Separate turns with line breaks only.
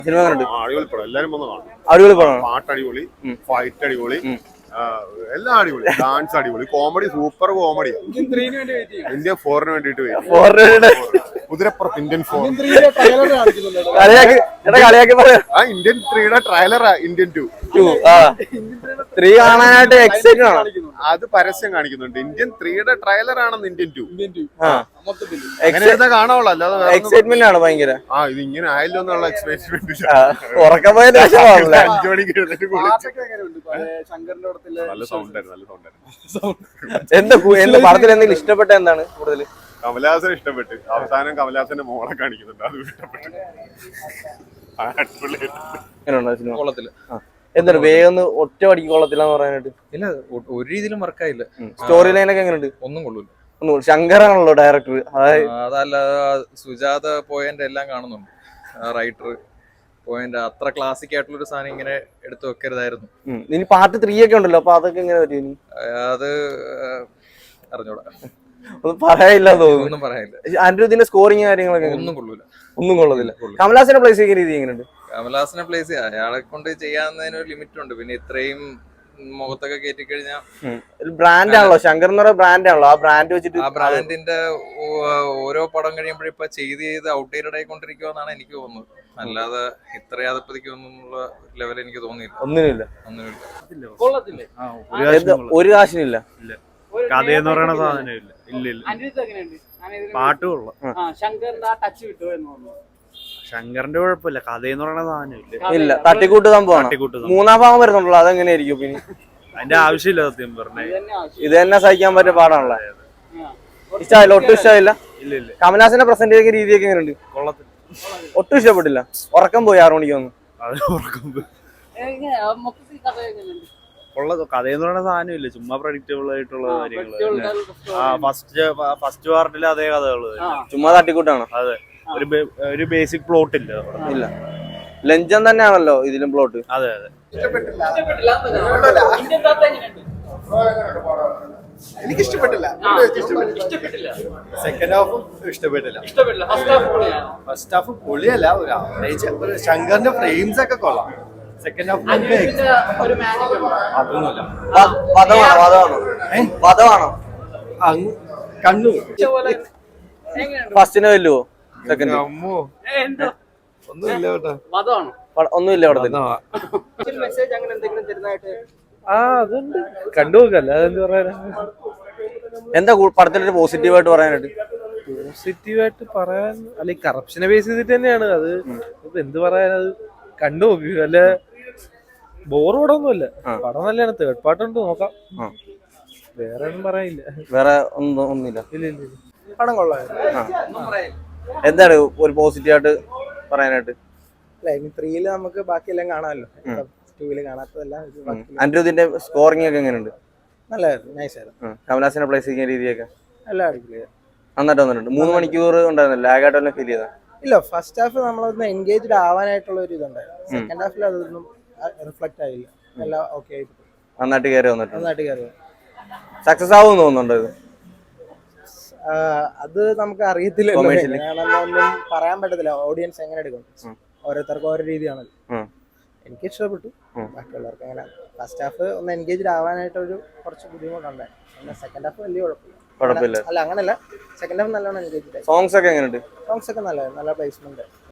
Cinema കണ്ടിട്ട്
അടിപൊളി പടം, എല്ലാരും വന്ന് കാണും.
അടിപൊളി പടം.
പാട്ട് അടിപൊളി, ഫൈറ്റ് അടിപൊളി, എല്ലാം അടിപൊളി, ഡാൻസ് അടിപൊളി, കോമഡി സൂപ്പർ കോമഡി. ഇന്ത്യ 4-ന് വേണ്ടിട്ട് കുതിരപ്പുറത്ത് ഇന്ത്യൻ 4. ഇന്ത്യൻ 3യുടെ ട്രailer ഇന്ത്യൻ 2
3 കാണാനായിട്ട് എക്സൈറ്റഡ് ആണ്.
അത് പരസ്യം കാണിക്കുന്നുണ്ട്. ഇന്ത്യൻ 3യുടെ ട്രailer ആണെന്ന് ഇന്ത്യൻ 2 കാണാവുള്ളൂ, അല്ലാതെ
എക്സൈറ്റ്മെന്റ് ആണ് ഭയങ്കര.
ഇത് ഇങ്ങനെ ആയല്ലോ എന്നുള്ള എക്സ്പെരിമെന്റ്.
5
മണിക്ക് എഴുന്നേറ്റ് നല്ല സൗണ്ട് ആയിരുന്നു.
എന്താ പടത്തിൽ എന്തെങ്കിലും ഇഷ്ടപ്പെട്ട എന്താണ് കൂടുതൽ?
കമലഹാസൻ ഇഷ്ടപ്പെട്ട്. അവസാനം കമലഹാസന്റെ മോളെ കാണിക്കുന്നുണ്ട്, അത് ഇഷ്ടപ്പെട്ടു.
എന്താണ് വേഗം ഒറ്റ അടിക്ക് കൊള്ളത്തില്ലാന്ന് പറയാനായിട്ട്?
ഇല്ല, ഒരു രീതിയിലും വർക്കായില്ല.
സ്റ്റോറി ലൈനൊക്കെ എങ്ങനെയുണ്ട്?
ഒന്നും കൊള്ളൂല.
ശങ്കറാണല്ലോ ഡയറക്ടർ.
അതല്ല, സുജാത പോയിന്റ് എല്ലാം കാണുന്നുണ്ട്. റൈറ്റർ പോയിന്റ് അത്ര ക്ലാസിക് ആയിട്ടുള്ള ഒരു സാധനം ഇങ്ങനെ എടുത്തു വെക്കരുതായിരുന്നു.
ഇനി പാർട്ട് 3 ഒക്കെ ഉണ്ടല്ലോ, അപ്പൊ അതൊക്കെ എങ്ങനെ പറ്റും?
അത് അറിഞ്ഞൂടാ,
ഒന്നും പറയാനില്ല തോന്നുന്നു.
ഒന്നും പറയാനില്ല.
അനിരുദ്ധിന്റെ സ്കോറിങ് കാര്യങ്ങളൊക്കെ
ഒന്നും കൊള്ളൂല,
ഒന്നും കൊള്ളത്തില്ല. കമലഹാസന്റെ പ്ലേസ് ചെയ്യുന്ന രീതി എങ്ങനെയുണ്ട്?
കമലഹാസനെ പ്ലേസ് അയാളെ കൊണ്ട് ചെയ്യാവുന്നതിന് ഒരു ലിമിറ്റ് ഉണ്ട്. പിന്നെ ഇത്രയും മുഖത്തൊക്കെ കയറ്റി കഴിഞ്ഞാൽ
ബ്രാൻഡ് ആണല്ലോ, ശങ്കർ എന്ന് പറയുന്ന ബ്രാൻഡ് ആണല്ലോ. ആ ബ്രാൻഡ് വെച്ചിട്ട്
ആ ബ്രാൻഡിന്റെ ഓരോ പടം കഴിയുമ്പോഴും ഇപ്പൊ ചെയ്ത് ഔട്ട്ഡേറ്റഡ് ആയിക്കൊണ്ടിരിക്കുമെന്നാണ് എനിക്ക് തോന്നുന്നത്. അല്ലാതെ ഇത്ര യാതപ്പതിക്കൊന്നുള്ള ലെവൽ എനിക്ക് തോന്നിയില്ല.
ഒന്നിനുമില്ല. ഒരു കാശിനില്ല.
കഥയെന്ന് പറയുന്ന സാധനം ഇല്ല. പാട്ട് കൊള്ളാം. ശങ്കറിന്റെ കുഴപ്പമില്ല, കഥയെന്ന് പറയുന്ന സാധനം
ഇല്ല. തട്ടിക്കൂട്ട് സംഭവമാണ്. 3-ാം ഭാഗം വരുന്നുണ്ടല്ലോ, അതെങ്ങനെയായിരിക്കും? പിന്നെ
അതിന്റെ ആവശ്യമില്ല. സത്യം പറഞ്ഞേ
ഇത് തന്നെ സഹിക്കാൻ പറ്റിയ പാടാണല്ലോ. ഇഷ്ടമായില്ല? ഒട്ടും ഇഷ്ടമായില്ല. കമലഹാസന്റെ പ്രസന്റ് ചെയ്യുന്ന രീതിയൊക്കെ എങ്ങനെയുണ്ട്?
കൊള്ളത്തില്ല,
ഒട്ടും ഇഷ്ടപ്പെട്ടില്ല. ഉറക്കം പോയി 6 മണിക്ക് വന്നു.
കഥയെന്ന് പറയുന്ന സാധനം ഇല്ല, ചുമ്മാ പ്രഡിക്റ്റബിൾ ആയിട്ടുള്ള കാര്യങ്ങള്. ഫസ്റ്റ് പാർട്ടിൽ അതേ കഥകള്,
ചുമ്മാ തട്ടിക്കൂട്ടാണ്.
അതെ, ഒരു ബേസിക് പ്ലോട്ട് ഇല്ല.
ലഞ്ചം തന്നെയാണല്ലോ ഇതിലും പ്ലോട്ട്.
അതെ അതെ.
എനിക്ക് ഇഷ്ടപ്പെട്ടില്ല. സെക്കൻഡ് ഹാഫും ഇഷ്ടപ്പെട്ടില്ല. ഫസ്റ്റ് ഹാഫ് പൊളിയല്ല, ഒരു ആവറേജ്. ശങ്കറിന്റെ ഫ്രെയിംസ് ഒക്കെ കൊള്ളാം. സെക്കൻഡ് ഹാഫ് അതൊന്നുമില്ല. കണ്ണു
ഫസ്റ്റിന് വല്ലുവോ? സെക്കൻഡ്
ഒന്നുമില്ല കേട്ടോ.
ഒന്നുമില്ല അവിടെ.
അതുണ്ട്, കണ്ടുനോക്കല്ല. അതെന്ത് പറയാനാ?
എന്താ പടത്തിലൊരു പോസിറ്റീവായിട്ട് പറയാനായിട്ട്?
പോസിറ്റീവായിട്ട് പറയാൻ അല്ല, കറപ്ഷനെ ബേസ് ചെയ്തിട്ട് തന്നെയാണ് അത്. എന്ത് പറയാനത്? കണ്ടുനോക്ക്. അല്ല, ബോർ പടമൊന്നുമല്ല, പടം നല്ലതാണ്. തേർഡ് പാർട്ടുണ്ട്, നോക്കാം. വേറെ ഒന്നും പറയാനില്ല.
വേറെ ഒന്നുമില്ല.
ഇല്ല.
പടം കൊള്ളാം.
എന്താണ് ഒരു പോസിറ്റീവായിട്ട് പറയാനായിട്ട്?
3 നമുക്ക് ബാക്കിയെല്ലാം കാണാമല്ലോ, 2 കാണാത്തതെല്ലാം.
അനിരുദ്ധിന്റെ സ്കോറിംഗ് ഒക്കെ എങ്ങനെയുണ്ട്?
നല്ലായിരുന്നു, നൈസായിരുന്നു.
കമലഹാസനെ പ്ലേസ് ചെയ്യുന്ന രീതിയൊക്കെ
എല്ലാം അടിപൊളിയാണ്,
നന്നായിട്ട് വന്നിട്ടുണ്ട്. 3 മണിക്കൂർ ഉണ്ടായിരുന്നില്ല, ലാഗായിട്ട് വല്ല ഫീൽ ചെയ്താ?
ഇല്ല, ഫസ്റ്റ് ഹാഫ് നമ്മളൊന്ന് എൻഗേജ്ഡ് ആവാനായിട്ടുള്ള ഒരു ഇതുണ്ടായിരുന്നു. സെക്കൻഡ് ഹാഫിൽ അതൊന്നും റിഫ്ലക്ട് ആയില്ല. എല്ലാം ഓക്കെ ആയിട്ട്
നന്നായിട്ട് കയറി വന്നിട്ടുണ്ട്.
നന്നായിട്ട് കയറി.
സക്സസ് ആവുമെന്ന് തോന്നുന്നുണ്ടോ ഇത്?
അത് നമുക്ക് അറിയത്തില്ല, ഒന്നും പറയാൻ പറ്റത്തില്ല. ഓഡിയൻസ് എങ്ങനെ എടുക്കും, ഓരോരുത്തർക്കും ഓരോ രീതിയാണല്ലോ. എനിക്ക് ഇഷ്ടപ്പെട്ടു, ബാക്കിയുള്ളവർക്ക് എങ്ങനെ. ഫസ്റ്റ് ഹാഫ് ഒന്ന് എൻഗേജ്ഡ് ആവാനായിട്ടൊരു കുറച്ച് ബുദ്ധിമുട്ടുണ്ടായി. പിന്നെ സെക്കൻഡ് ഹാഫ് വലിയ കുഴപ്പമില്ല. അല്ല, അങ്ങനല്ല, സെക്കൻഡ് ഹാഫ് നല്ലോണം എൻഗേജ്ഡ് ആയി.
സോങ്സ് ഒക്കെ എങ്ങനെയുണ്ട്?
സോങ്സ് ഒക്കെ നല്ല പ്ലേസ്മെന്റ്.